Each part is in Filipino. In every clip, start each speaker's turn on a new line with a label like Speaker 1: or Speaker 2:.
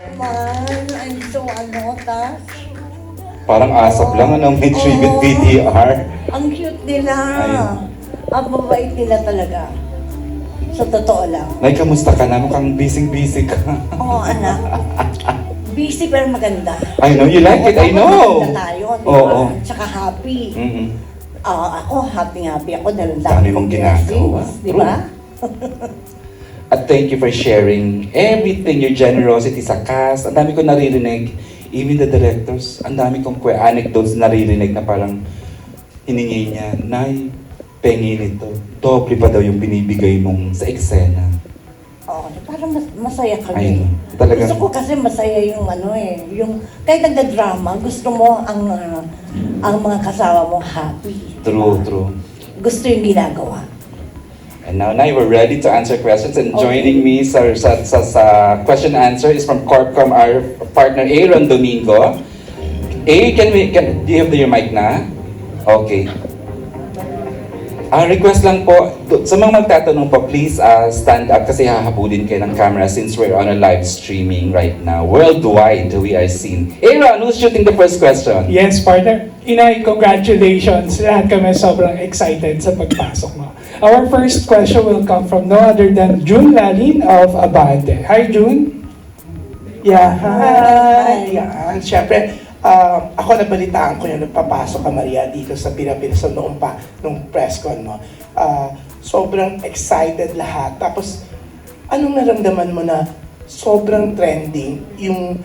Speaker 1: Man, I'm so tas.
Speaker 2: Parang asap lang, ano, may tribute
Speaker 1: Oo.
Speaker 2: VTR.
Speaker 1: Ang cute nila.
Speaker 2: Ayun.
Speaker 1: Ang babait nila talaga. Sa totoo lang.
Speaker 2: Nay, kamusta ka na? Mukhang busy-busy ka.
Speaker 1: Oo, anak. Busy pero maganda.
Speaker 2: I know, you like it, I know.
Speaker 1: Maganda tayo, di ba?
Speaker 2: Oo.
Speaker 1: Tsaka happy.
Speaker 2: Mm-mm.
Speaker 1: Ako, happy ako dahil ang
Speaker 2: Dami
Speaker 1: dami
Speaker 2: mong
Speaker 1: kong
Speaker 2: ginagawa.
Speaker 1: blessings, di ba?
Speaker 2: At thank you for sharing everything, your generosity sa cast. Ang dami ko naririnig, even the directors, ang dami kong anecdotes naririnig na parang hiningi niya, Nay, pengi nito. Doble pa daw yung binibigay mong sa eksena.
Speaker 1: Oo, parang masaya
Speaker 2: Ay,
Speaker 1: kami.
Speaker 2: talagang-
Speaker 1: Gusto ko kasi masaya yung yung kahit nagda-drama, gusto mo ang mga kasama mo happy.
Speaker 2: True, true.
Speaker 1: Gusto yung ginagawa.
Speaker 2: And now, Nay, we're ready to answer questions. And
Speaker 1: Okay.
Speaker 2: joining me sa question answer is from Corpcom, our partner Aaron Domingo. Do you have your mic na? Okay. Request lang po, sa mga magtatanong po, please stand up kasi hahabulin kayo ng camera since we're on a live streaming right now. Worldwide, we are seen. Aaron, who's shooting the first question?
Speaker 3: Yes, partner. Inay, congratulations. Lahat kami sobrang excited sa pagpasok mo. Our first question will come from no other than June Lalin of Abante. Hi, June.
Speaker 4: Yeah,
Speaker 1: Hi.
Speaker 4: Yan. Siyempre, ako nabalitaan ko yung nagpapasok ka, Maria, dito sa Pilipinas nung press con mo. Sobrang excited lahat. Tapos, anong naramdaman mo na sobrang trending yung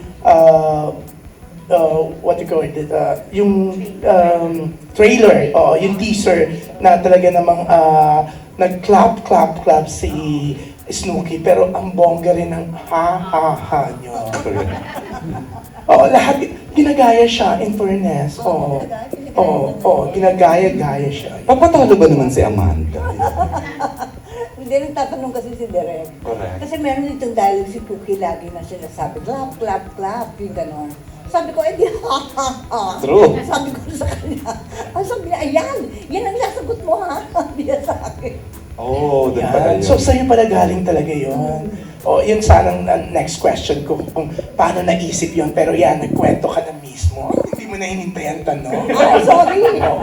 Speaker 4: what you call it, yung trailer, yung teaser na talaga namang nag-clap si Snooki, pero ang bongga rin ng ha-ha-ha nyo. Oo, lahat, ginagaya siya, in fairness. Oo, ginagaya-gaya siya.
Speaker 2: Papatalo ba naman si Amanda?
Speaker 1: Hindi, nagtatanong kasi si Derek.
Speaker 2: Correct.
Speaker 1: Kasi meron itong dialogue si Cookie lagi na sinasabi, clap, clap, clap, yung gano'n. Sabi ko, di ha, ha, ha.
Speaker 2: True.
Speaker 1: Sabi ko sa kanya, sabi niya, ayan, yan ang nasagot mo ha, hindi yan sa akin.
Speaker 2: Oh, doon pala yun.
Speaker 4: So, sa'yo pala galing talaga yun. O, yun sanang next question ko, kung paano naisip yun. Pero yan, nagkwento ka na mismo. Hindi mo na hinintay ang tanong.
Speaker 1: Ay, sorry.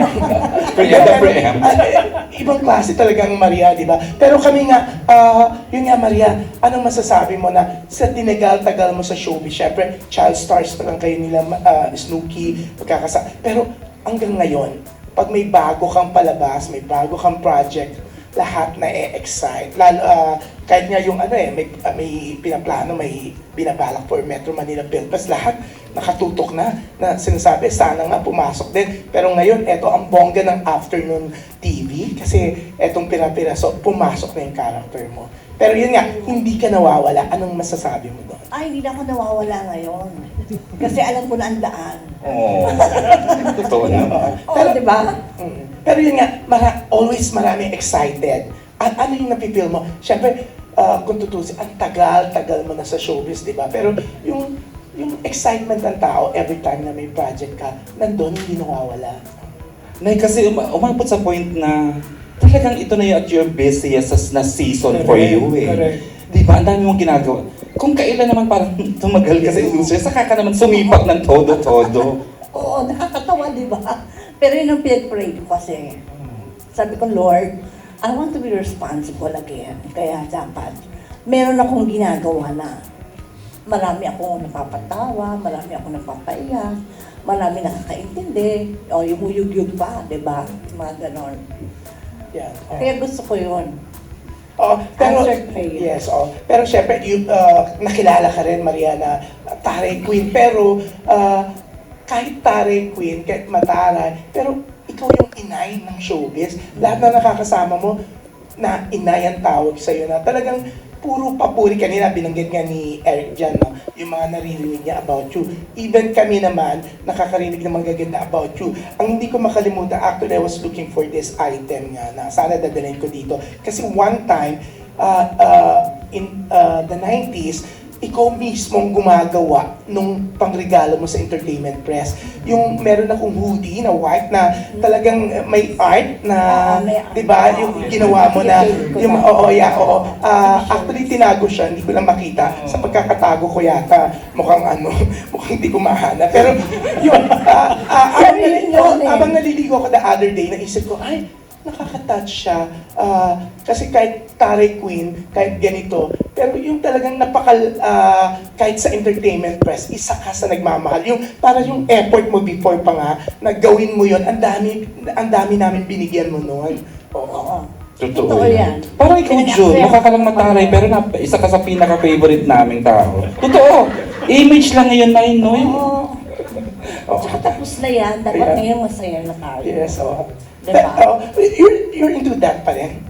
Speaker 2: Preempt.
Speaker 4: Ibang klase talagang Maria, di ba? Pero kami nga, yun nga Maria, anong masasabi mo na sa tinagal-tagal mo sa showbiz? Siyempre, child stars pa lang kayo nila, Snooki, pero hanggang ngayon, pag may bago kang palabas, may bago kang project, lahat na excite. Lalo, kahit nga yung may pinaplano, may binabalak for Metro Manila Philippines, lahat nakatutok na sinasabi, sana nga pumasok din. Pero ngayon, eto ang bongga ng afternoon TV, kasi etong pira-piraso, pumasok na yung character mo. Pero yun nga, hindi ka nawawala. Anong masasabi mo doon?
Speaker 1: Ay, hindi na ako nawawala ngayon. Kasi alam ko na ang daan.
Speaker 2: Oh, totoo na.
Speaker 1: Oo, di ba?
Speaker 4: Pero yun nga, always maraming excited. At ano yung napipil mo? Siyempre, kung tutusin, ang tagal-tagal mo na sa showbiz, di ba? Pero yung excitement ng tao every time na may project ka, nandun, hindi nawawala.
Speaker 2: Nay, kasi umabot sa point na talagang ito na yung at your busiest na season for
Speaker 3: Correct,
Speaker 2: you eh.
Speaker 3: correct.
Speaker 2: Di ba? Ang dami mong ginagawa. Kung kailan naman parang tumagal ka sa industry, saka ka naman sumipat ng todo-todo.
Speaker 1: Oo, nakakatawa, di ba? Pero yun ang pinag-pray ko kasi. Sabi ko, Lord, I want to be responsible again. Kaya dapat, meron akong ginagawa na. Marami akong napapatawa, marami akong napapaiyak, marami nakakaintindi, o yung uyug-yug pa, di ba? Mga ganon.
Speaker 4: Yan.
Speaker 1: Kaya gusto ko yun.
Speaker 4: Pero,
Speaker 1: Answered prayer.
Speaker 4: yes, pero syempre, nakilala ka rin, Maria, na Taray Queen. Pero, kahit Taray Queen, kahit mataray, pero ikaw yung inay ng showbiz. Lahat na nakakasama mo, na inay ang tawag sa'yo na talagang puro papuri. Kanina, binanggit nga ni Eric dyan, no? Yung mga naririnig niya about you. Even kami naman, nakakarinig ng mga gaganda about you. Ang hindi ko makalimutan, actually, I was looking for this item nga na sana dadalhin ko dito. Kasi one time, in the 90s, ikaw mismong gumagawa nung pangregalo mo sa Entertainment Press. Yung meron akong hoodie na white na talagang may art na,
Speaker 1: May art.
Speaker 4: di ba, yung ginawa mo na, yung, actually tinago siya, hindi ko lang makita. Sa pagkakatago ko yata, mukhang mukhang hindi ko mahanap. Pero yun, habang naliligo ko the other day, naisip ko, ay, nakaka-touch siya. Kasi kahit Taray Queen, kahit ganito, pero yung talagang kahit sa Entertainment Press, isa ka sa nagmamahal. Yung, para yung effort mo before pa nga, na gawin mo yun, ang dami namin binigyan mo noon. Oo.
Speaker 2: Totoo
Speaker 1: Totoo
Speaker 2: yan.
Speaker 1: yan.
Speaker 2: Parang ikaw, Jun, mukha ka lang mataray, pero isa ka sa pinaka-favorite naming tao. Totoo. Image lang ngayon na yun, no?
Speaker 1: Oo. Tsaka tapos na yan, dapat
Speaker 4: Yeah.
Speaker 1: ngayon masaya na tayo.
Speaker 4: Yes, oo.
Speaker 1: Diba?
Speaker 4: You're into that pa rin.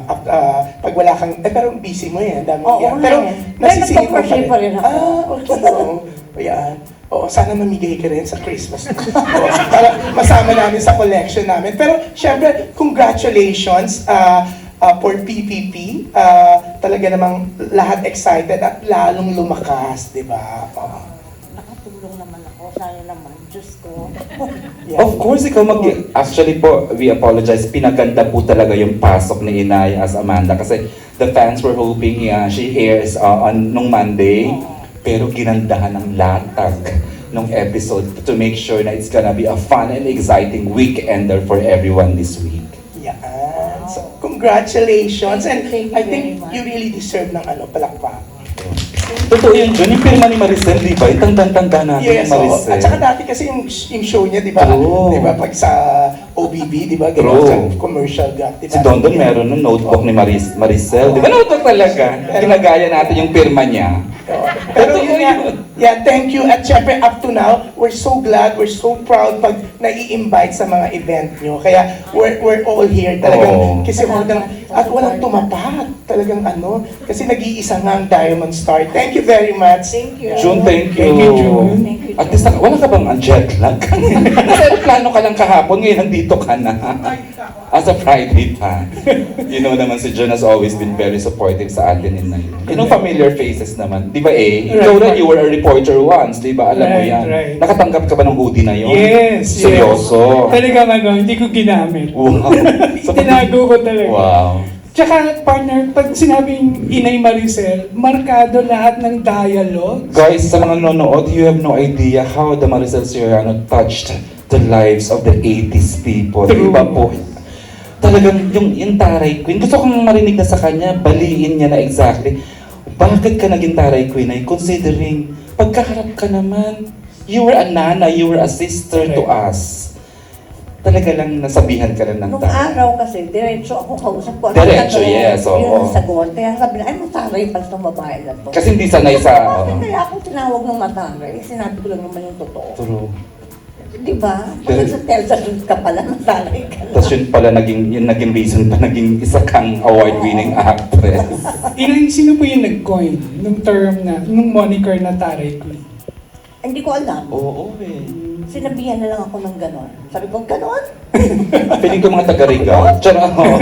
Speaker 4: Pag wala kang, pero busy mo yan. Dami
Speaker 1: Oo,
Speaker 4: yan.
Speaker 1: nga
Speaker 4: Pero
Speaker 1: yan.
Speaker 4: nasisingit mo
Speaker 1: Nagpa-crochet pa rin ako.
Speaker 4: Okay. Oo. Ayan. Oo, sana mamigay ka rin sa Christmas. Oo, para masama namin sa collection namin. Pero, syempre, congratulations for PPP. Talaga namang lahat excited at lalong lumakas, di ba? Oo.
Speaker 1: Nakatulong naman ako, sana naman, Diyos ko.
Speaker 4: Yeah.
Speaker 2: Of course, actually po, we apologize. Pinaganda po talaga yung pasok ni Inay as Amanda kasi the fans were hoping she airs nung Monday. Pero ginandahan ng latag nung episode to make sure na it's gonna be a fun and exciting weekender for everyone this week.
Speaker 4: Yan. So, congratulations. And
Speaker 1: Thank you
Speaker 4: I
Speaker 1: very
Speaker 4: think
Speaker 1: much.
Speaker 4: you really deserve ng palakpak.
Speaker 2: Totoo yun, Jun. Yung pirma ni Maricel, di ba? Yung tanda natin
Speaker 4: Yes,
Speaker 2: yung Maricel.
Speaker 4: At saka dati kasi yung show niya, di ba?
Speaker 2: True.
Speaker 4: Di ba? Pag sa OBB, di ba?
Speaker 2: True.
Speaker 4: Gano'n sa commercial gap, di ba?
Speaker 2: Si Dondon meron ng notebook ni Maricel. Di ba notebook talaga? Ginagaya natin yung pirma niya.
Speaker 4: Pero yun nga, yeah, thank you. At syempre, up to now, we're so glad, we're so proud pag nai-invite sa mga event nyo. Kaya, we're all here talagang,
Speaker 2: Oo.
Speaker 4: kasi at walang tumapat. Talagang kasi nag-iisa nga ang Diamond Star. Thank you very much.
Speaker 1: Thank you.
Speaker 2: June, thank you.
Speaker 3: Thank you, June.
Speaker 1: Thank you,
Speaker 2: At least, wala ka bang jet lag? Kasi plano ka lang kahapon, ngayon nandito ka na. As a Friday pa. You know naman si June has always been very supportive sa atin in Nayo. You know, familiar faces naman. Di ba Ikaw
Speaker 3: Right.
Speaker 2: rin, you were a reporter once, di ba? Alam mo
Speaker 3: Right,
Speaker 2: yan.
Speaker 3: right.
Speaker 2: Nakatanggap ka ba ng hoodie na yun?
Speaker 3: Yes,
Speaker 2: Seryoso?
Speaker 3: Talagang hindi ko ginamit.
Speaker 2: Wow. So,
Speaker 3: Tinago ko talaga.
Speaker 2: wow.
Speaker 3: Tsaka, partner, pag sinabing Inay Maricel, markado lahat ng dialogue.
Speaker 2: Guys, sa mga nanonood, you have no idea how the Maricel Soriano touched the lives of the 80s people.
Speaker 3: True.
Speaker 2: Iba po. Talagang yung Taray Queen, gusto kong marinig na sa kanya, baliin niya na exactly. Bakit ka naging Taray Queen ay considering, pagkaharap ka naman, you were a nana, you were a sister to us. Talaga lang nasabihan ka lang ng
Speaker 1: Nung
Speaker 2: taray.
Speaker 1: araw kasi, diretso ako kausap ko.
Speaker 2: Diretso, yes, oo.
Speaker 1: Yun ang sagot. Kaya sabi na, ay mataray pala itong babae na to.
Speaker 2: Kasi hindi sanay sa...
Speaker 1: Bakit kaya ako tinawag ng mataray? Sinabi ko lang naman yung totoo.
Speaker 2: True.
Speaker 1: Di ba? Pag sa Telsa Dun ka pala, mataray ka lang.
Speaker 2: Tapos yun pala, yung naging reason pa, naging isa kang award-winning actress.
Speaker 3: Inay, sino po yung nag-coin nung term na, nung moniker na Taray Queen?
Speaker 1: Hindi ko alam.
Speaker 2: Oo, eh.
Speaker 1: Sinabihan na lang ako ng ganon. Sabi ko, ganon?
Speaker 2: Piling ko mga taga-Regal. Tsara ako.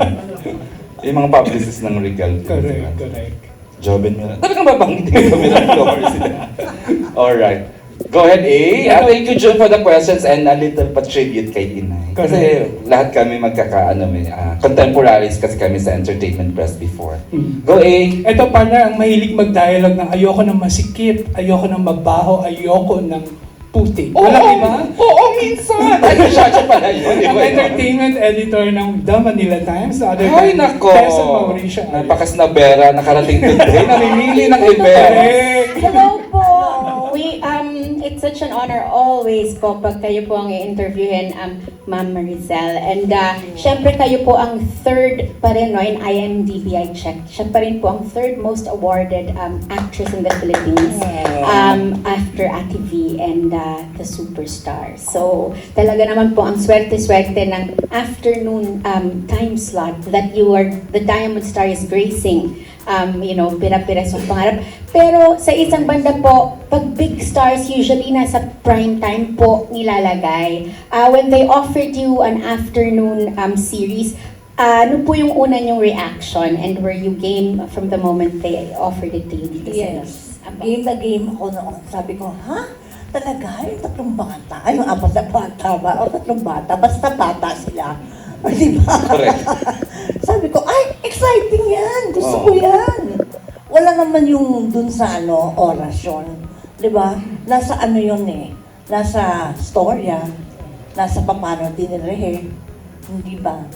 Speaker 2: Yung mga publicist ng Regal.
Speaker 3: Correct, correct.
Speaker 2: Joben Mira. Talagang babanggitin ko Miraflores sila. Alright. Go ahead, thank you, June, for the questions and a little pa-tribute kay Inay. Kasi lahat kami contemporaries kasi kami sa entertainment press before. Go,
Speaker 3: Ito, partner, ang mahilig mag-dialogue ng ayoko ng masikip, ayoko ng mabaho, ayoko ng puti. Walang iba?
Speaker 2: Oo, minsan! Ay, siya pala yun, di
Speaker 3: Ang
Speaker 2: ba?
Speaker 3: entertainment editor ng The Manila Times, the other
Speaker 2: Ay,
Speaker 3: time,
Speaker 2: nako!
Speaker 3: Tessa Mauricio.
Speaker 2: Napakasnabera, nakarating today, namimili ng event.
Speaker 3: Correct!
Speaker 5: Hello po! It's such an honor always po pag kayo po ang i-interviewin, Ma'am Maricel. And syempre kayo po ang third pa rin, no, in IMDb I checked. Siya pa rin po ang third most awarded actress in the Philippines after Ate V and the Superstar. So talaga naman po ang swerte-swerte ng afternoon time slot that you are, the Diamond Star is gracing. Pira-pira sa pangarap. Pero sa isang banda po, pag big stars usually nasa prime time po nilalagay. When they offered you an afternoon series, ano po yung una niyong reaction and were you game from the moment they offered it to you dito sa
Speaker 1: Yes. Game na game ako noon. Sabi ko, ha? Talaga? Yung 3 bata? Ay, yung 4 na bata ba? O 3 bata? Basta bata sila. O, di ba?
Speaker 2: Correct.
Speaker 1: Sabi ko, ay, exciting yan! Gusto ko
Speaker 2: Oo.
Speaker 1: yan! Wala naman yung dun sa orasyon. Di ba? Nasa ano yun eh. Nasa storya. Nasa paano dinire. Hindi ba?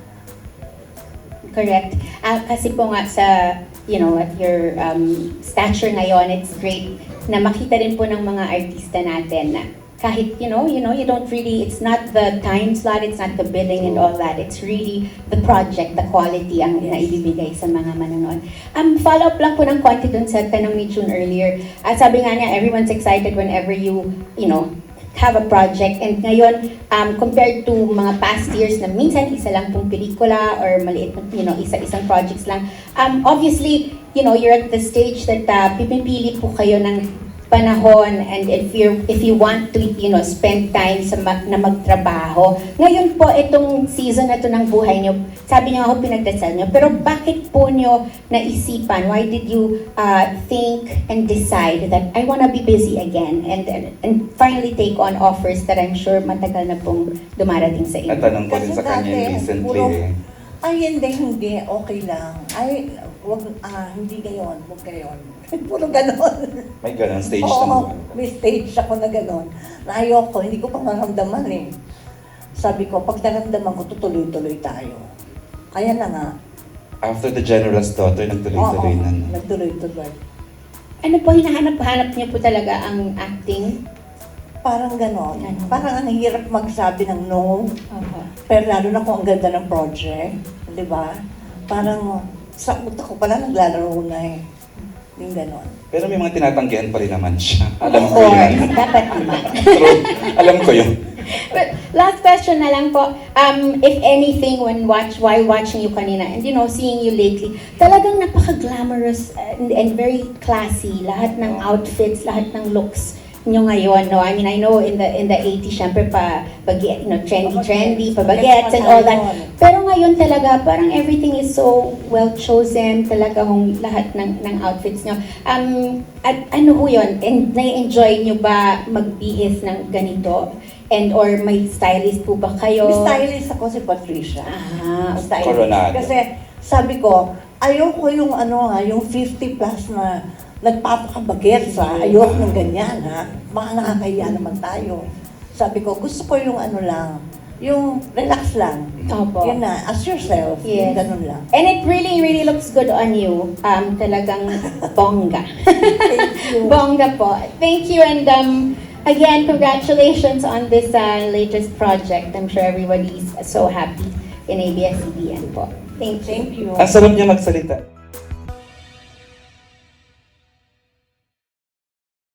Speaker 5: Correct. Kasi po nga sa, at your stature ngayon, it's great na makita rin po ng mga artista natin na kahit, you don't really, it's not the time slot, it's not the billing and all that. It's really the project, the quality ang naibibigay sa mga manonood. Follow up lang po ng konti dun sa tanong ni June earlier. Sabi nga niya, everyone's excited whenever you have a project. And ngayon, compared to mga past years na minsan isa lang pong pelikula or maliit, isa-isang projects lang. Obviously, you're at the stage that pipili po kayo ng panahon and if you want to spend time na magtrabaho. Ngayon po itong season na to ng buhay nyo, sabi niyo ako pinagdasal nyo, pero bakit po nyo naisipan? Why did you think and decide that I wanna be busy again and finally take on offers that I'm sure matagal na pong dumarating sa inyo?
Speaker 2: Natanong ko din
Speaker 1: Kasi
Speaker 2: sa kanya
Speaker 1: dati,
Speaker 2: recently
Speaker 1: puro-
Speaker 2: eh.
Speaker 1: Ay, hindi, okay lang. Ay, hindi gayon, huwag gayon. Puro ganon.
Speaker 2: May ganun stage
Speaker 1: Oo,
Speaker 2: na
Speaker 1: may stage ako na ganon. Na ayoko, hindi ko pa maramdaman eh. Sabi ko, pag naramdaman ko, tutuloy-tuloy tayo. Kaya na nga.
Speaker 2: After the General's Daughter, nagtuloy-tuloy
Speaker 1: Oo,
Speaker 2: na.
Speaker 1: nagtuloy-tuloy.
Speaker 5: Ano po, hinahanap-hanap niyo po talaga ang acting?
Speaker 1: Parang ganon.
Speaker 5: Ganon.
Speaker 1: Parang ang hirap magsabi ng no. Pero lalo na kung ang ganda ng project. Di ba? Parang sa utak ko pala naglalaro na eh. Yung ganon.
Speaker 2: Pero may mga tinatanggihan pa rin naman siya. Alam
Speaker 5: Of
Speaker 2: ko
Speaker 5: course,
Speaker 2: yun.
Speaker 5: dapat naman.
Speaker 2: True. Alam ko yun.
Speaker 5: But last question na lang po. If anything, while watching you kanina and seeing you lately, talagang napaka-glamorous and very classy. Lahat ng outfits, lahat ng looks nyo ngayon, no? I mean, I know in the 80s, syempre trendy, pabagets and all that. Pero ngayon talaga, parang everything is so well chosen, talaga hong lahat ng outfits nyo. At ano ho yun? And nai-enjoy nyo ba magbihis ng ganito? And or may stylist po ba kayo?
Speaker 1: May stylist ako si Patricia. Stylist.
Speaker 2: Coronado.
Speaker 1: Kasi sabi ko, ayoko yung yung 50 plus na nagpapakabagets ha. Ayoko ng ganyan ha. Baka nakakahiya naman tayo. Sabi ko, gusto ko yung yung relax lang.
Speaker 5: Opo.
Speaker 1: Yun na, as yourself.
Speaker 5: Yes.
Speaker 1: Yung ganun lang.
Speaker 5: And it really, really looks good on you. Talagang bongga.
Speaker 1: Thank you.
Speaker 5: Bongga po. Thank you and again, congratulations on this latest project. I'm sure everybody is so happy in ABS-CBN po. Thank you.
Speaker 1: Thank you.
Speaker 2: Ang sarap niya magsalita.